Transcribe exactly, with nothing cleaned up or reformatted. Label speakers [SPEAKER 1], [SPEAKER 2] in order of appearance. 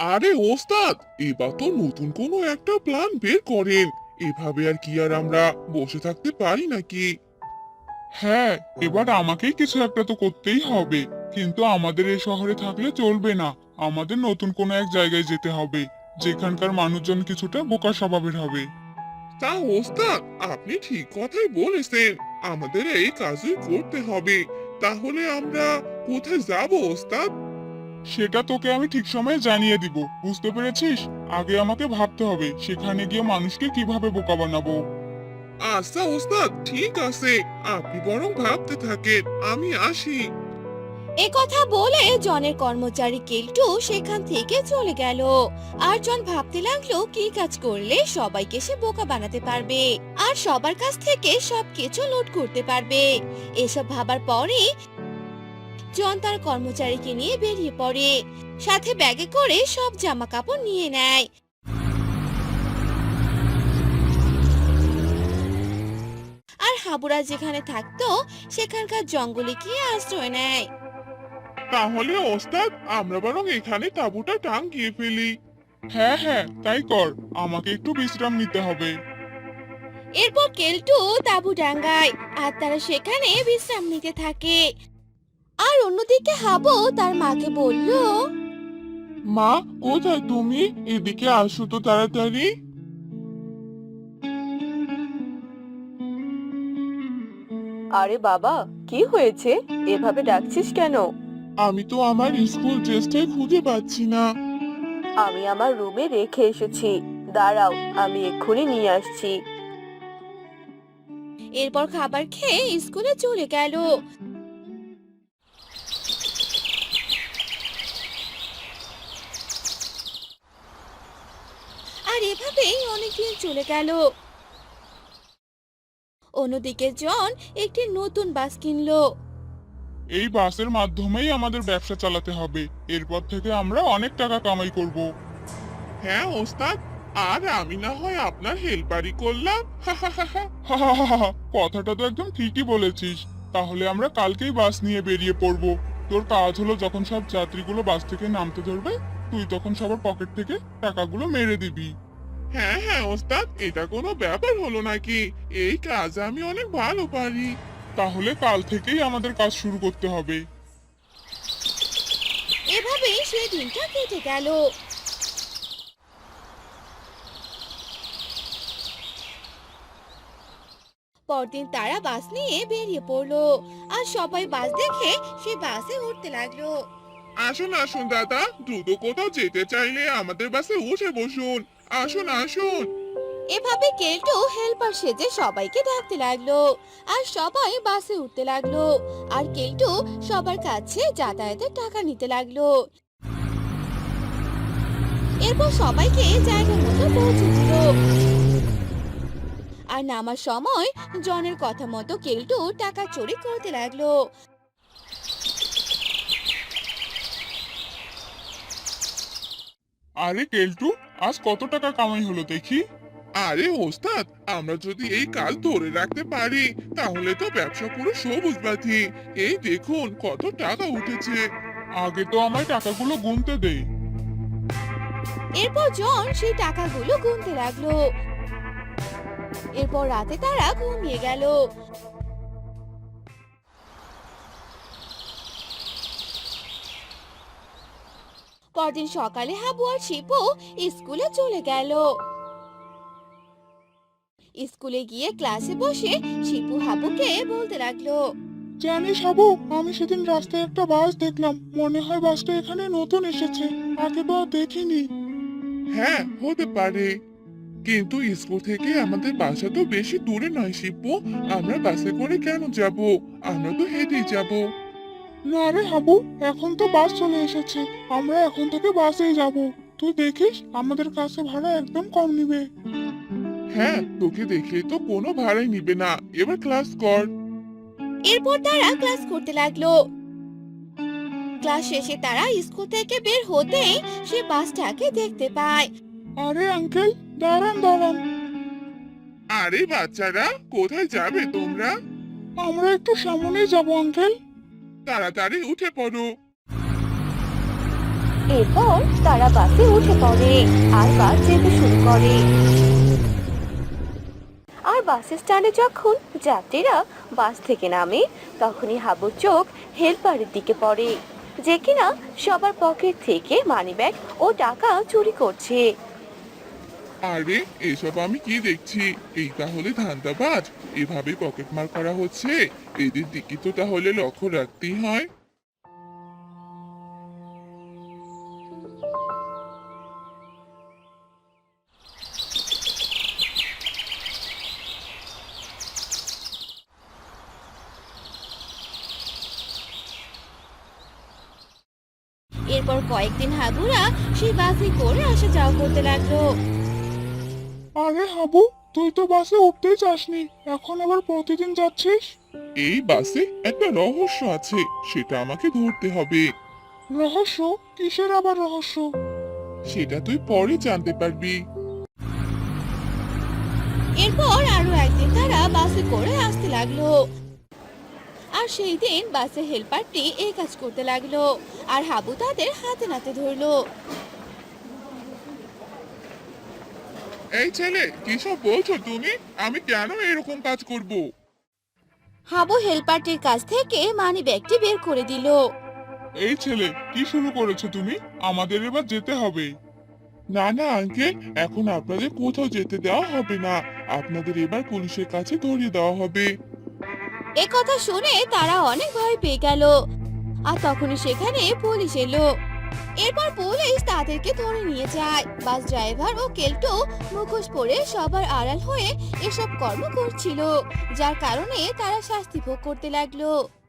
[SPEAKER 1] আরে ওস্তাদ, এবার তো নতুন কোনো একটা প্ল্যান বের করেন। এভাবে আর কি আর আমরা বসে থাকতে পারি নাকি?
[SPEAKER 2] হ্যাঁ, এবার আমাকেই কিছু একটা তো করতেই হবে। কিন্তু আমাদের এই শহরে থাকলে চলবে না। আমাদের নতুন কোনো এক জায়গায় যেতে হবে, যেখানকার মানুষজন কিছুটা বোকা স্বভাবের হবে।
[SPEAKER 1] তা ওস্তাদ, আপনি ঠিক কথাই বলেছেন। আমাদের এই কাজই করতে হবে। তাহলে আমরা কোথায় যাব ওস্তাদ?
[SPEAKER 2] সেটা তোকে আমি ঠিক সময়ে জানিয়ে দিব, বুঝতে পেরেছিস? আগে আমাকে ভাবতে হবে সেখানে গিয়ে মানুষকে কিভাবে বোকা বানাবো।
[SPEAKER 1] আচ্ছা ওস্তাদ, ঠিক আছে। আপনি বরং ভাবতে থাকেন, আমি আসি।
[SPEAKER 3] এ কথা বলে জনের কর্মচারী কেলটু সেখান থেকে চলে গেল। আর জন ভাবতে লাগলো কি কাজ করলে সবাইকে সে বোকা বানাতে পারবে আর সবার কাছ থেকে সবকিছু লুট করতে পারবে। এসব ভাবার পরে জন তার কর্মচারীকে নিয়ে বেরিয়ে পড়ে, সাথে ব্যাগে করে সব জামা কাপড় নিয়ে নেয়। আর হাবুরা যেখানে থাকতো সেখানকার জঙ্গলে গিয়ে আশ্রয় নেয়।
[SPEAKER 1] তাহলে ওস্তাদ, আমরা বরং এখানে তাঁবুটা টাঙিয়ে ফেলি।
[SPEAKER 2] হ্যাঁ হ্যাঁ, তাই কর। আমাকে একটু বিশ্রাম নিতে হবে।
[SPEAKER 3] এরপর কেলটু তাঁবু ডাঙ্গায় আর তারা সেখানে বিশ্রাম নিতে থাকে। আর অন্যদিকে হাবু তার মাকে বলল,
[SPEAKER 1] মা, কোথায় তুমি? এদিকে আসো তো তাড়াতাড়ি।
[SPEAKER 4] আরে বাবা, কি হয়েছে? এভাবে ডাকছিস কেন?
[SPEAKER 1] আমি তো আমার স্কুল ড্রেসটাই খুঁজে পাচ্ছি না।
[SPEAKER 4] আমি আমার রুমে রেখে এসেছি। দাঁড়াও, আমি এক্ষুনি নিয়ে আসছি।
[SPEAKER 3] এরপর খাবার খেয়ে স্কুলে চলে গেল। আর এভাবেই অনেকদিন চলে গেল। অন্যদিকে জন একটি নতুন বাস কিনলো।
[SPEAKER 2] এই বাসের মাধ্যমেই আমাদের ব্যবসা চালাতে হবে। এরপর থেকে আমরা অনেক টাকা কামাই করব।
[SPEAKER 1] হ্যাঁ ওস্তাদ, আর আমি না হয় আপনার হেল্পারই করলাম।
[SPEAKER 2] হাহাহাহা, কথাটা তো একদম ঠিকই বলেছিস। তাহলে আমরা কালকেই বাস নিয়ে বেরিয়ে পড়ব। তোর কাজ হলো যখন সব যাত্রীগুলো বাস থেকে নামতে ধরবে, তুই তখন সবার পকেট থেকে টাকাগুলো মেরে দিবি।
[SPEAKER 1] হ্যাঁ হ্যাঁ ওস্তাদ, এটা কোনো ব্যাপার হলো নাকি? এই কাজ আমি অনেক ভালো পারি।
[SPEAKER 2] তাহলে কাল থেকেই আমাদের কাজ শুরু করতে হবে।
[SPEAKER 3] এভাবেই সেই দিনটা কেটে গেল। পরদিন তারা বাস নিয়ে বেরিয়ে পড়লো। আর সবাই বাস দেখে সে বাসে উঠতে লাগলো।
[SPEAKER 1] আসুন আসুন দাদা, দ্রুত কোথাও যেতে চাইলে আমাদের বাসে উঠে বসুন। আসুন আসুন।
[SPEAKER 3] এভাবে কেলটু হেল্পার সেজে সবাইকে ডাকতে লাগলো। আর সবাই বাসে উঠতে লাগলো। আর কেলটু সবার কাছে যাতায়াতের টাকা নিতে লাগলো। এরপর সবাইকে জায়গা মতো পৌঁছে দিল। আর নামার সময় জনের কথা মতো কেলটু টাকা চুরি করতে লাগলো।
[SPEAKER 2] আরে কেলটু, আজ কত টাকা কামাই হলো দেখি।
[SPEAKER 1] আরে ওস্তাদ, আমরা যদি এই কাজ ধরে রাখতে পারি তাহলে তো ব্যবসা পুরো সবুজ বাতি। এই দেখুন কত টাকা উঠেছে।
[SPEAKER 2] আগে তো আমায় টাকাগুলো গুনতে দে।
[SPEAKER 3] এরপর জন সেই টাকাগুলো গুনতে লাগলো। এরপর রাতে তারা ঘুমিয়ে গেল। পরদিন সকালে হাবু আর শিপু স্কুলে চলে গেল। স্কুলে গিয়ে ক্লাসে বসে শিপু হাবুকে বলতে লাগলো,
[SPEAKER 2] জানিস হাবু, আমি সেদিন রাস্তায় একটা বাস দেখলাম। মনে হয় বাসটা এখানে নতুন এসেছে, আগে তো আর দেখিনি।
[SPEAKER 1] হ্যাঁ হতে পারে, কিন্তু স্কুল থেকে আমাদের বাসা তো বেশি দূরে নয় শিপু। আমরা বাসে করে কেন যাব? আমরা তো হেঁটেই যাব।
[SPEAKER 2] না রে হাবু, এখন তো বাস চলে এসেছে। আমরা এখন থেকে বাসেই যাব। তুই দেখিস, আমাদের কাছে ভাড়া একদম কম নিবে।
[SPEAKER 1] হ্যাঁ, তোকে দেখলে তো কোনো ভাড়াই নিবে না। এবার ক্লাস কর।
[SPEAKER 3] এরপর তারা ক্লাস করতে লাগলো। ক্লাস শেষে তারা স্কুল থেকে বের হতেই সে বাসটাকে দেখতে পায়।
[SPEAKER 2] আরে আঙ্কেল, দাঁড়ান দাঁড়ান।
[SPEAKER 1] আরে বাচ্চারা, কোথায় যাবে তোমরা?
[SPEAKER 2] আমরা একটু সামনে যাব আঙ্কেল।
[SPEAKER 1] তাড়াতাড়ি উঠে পড়ো।
[SPEAKER 4] এরপর তারা বাসে উঠে পড়ে আর বাস যেতে শুরু করে। আর বাস স্ট্যান্ডে যখন যাত্রীরা বাস থেকে নামে তখনই হাবুর চোখ হেলপারের দিকে পড়ে, যে কিনা সবার পকেট থেকে মানিব্যাগ ও টাকা চুরি করছে।
[SPEAKER 1] আরে এসব আমি কি দেখছি, এই তাহলে ধান্দাবাজ, এভাবে পকেটমার করা হচ্ছে। এদের দিকে তো তাহলে লক্ষ্য রাখতেই হয়।
[SPEAKER 3] এরপর কয়েকদিন হাবুরা সেই বাসে করে আসা যাওয়া করতে লাগলো।
[SPEAKER 2] আরে হাবু, তুই তো বাসে উঠতেই চাসনি, এখন আবার প্রতিদিন যাচ্ছিস?
[SPEAKER 1] এই বাসে একটা রহস্য আছে, সেটা আমাকে ধরতে হবে।
[SPEAKER 2] রহস্য? কিসের আবার রহস্য?
[SPEAKER 1] সেটা তুই পরে জানতে পারবি।
[SPEAKER 3] এরপর আরো একদিন তারা বাসে করে আসতে লাগলো। আর সেই দিন বাসের হেল্পারটি এই কাজ করতে লাগলো, আর হাবু তাদের হাতে নাতে ধরলো।
[SPEAKER 1] এই ছেলে, কিসব বলছো তুমি? আমি কেন এরকম কাজ করব?
[SPEAKER 3] হাবু হেল্পারটির কাছ থেকে মানি ব্যাগটি বের করে দিল।
[SPEAKER 2] এই ছেলে, কি শুরু করেছো তুমি? আমাদের এবার যেতে হবে।
[SPEAKER 1] না না আঙ্কেল, এখন আপনাদের কোথাও যেতে দেওয়া হবে না, আপনাদের এবার পুলিশের কাছে ধরিয়ে দেওয়া হবে।
[SPEAKER 3] এ কথা শুনে তারা অনেক ভয় পেয়ে গেল। আর তখনই সেখানে পুলিশ এলো। এরপর পুলিশ তাদেরকে ধরে নিয়ে যায়। বাস ড্রাইভার ও কেল্টো মুখোশ পরে সবার আড়াল হয়ে এসব কর্ম করছিল, যার কারণে তারা শাস্তি ভোগ করতে লাগলো।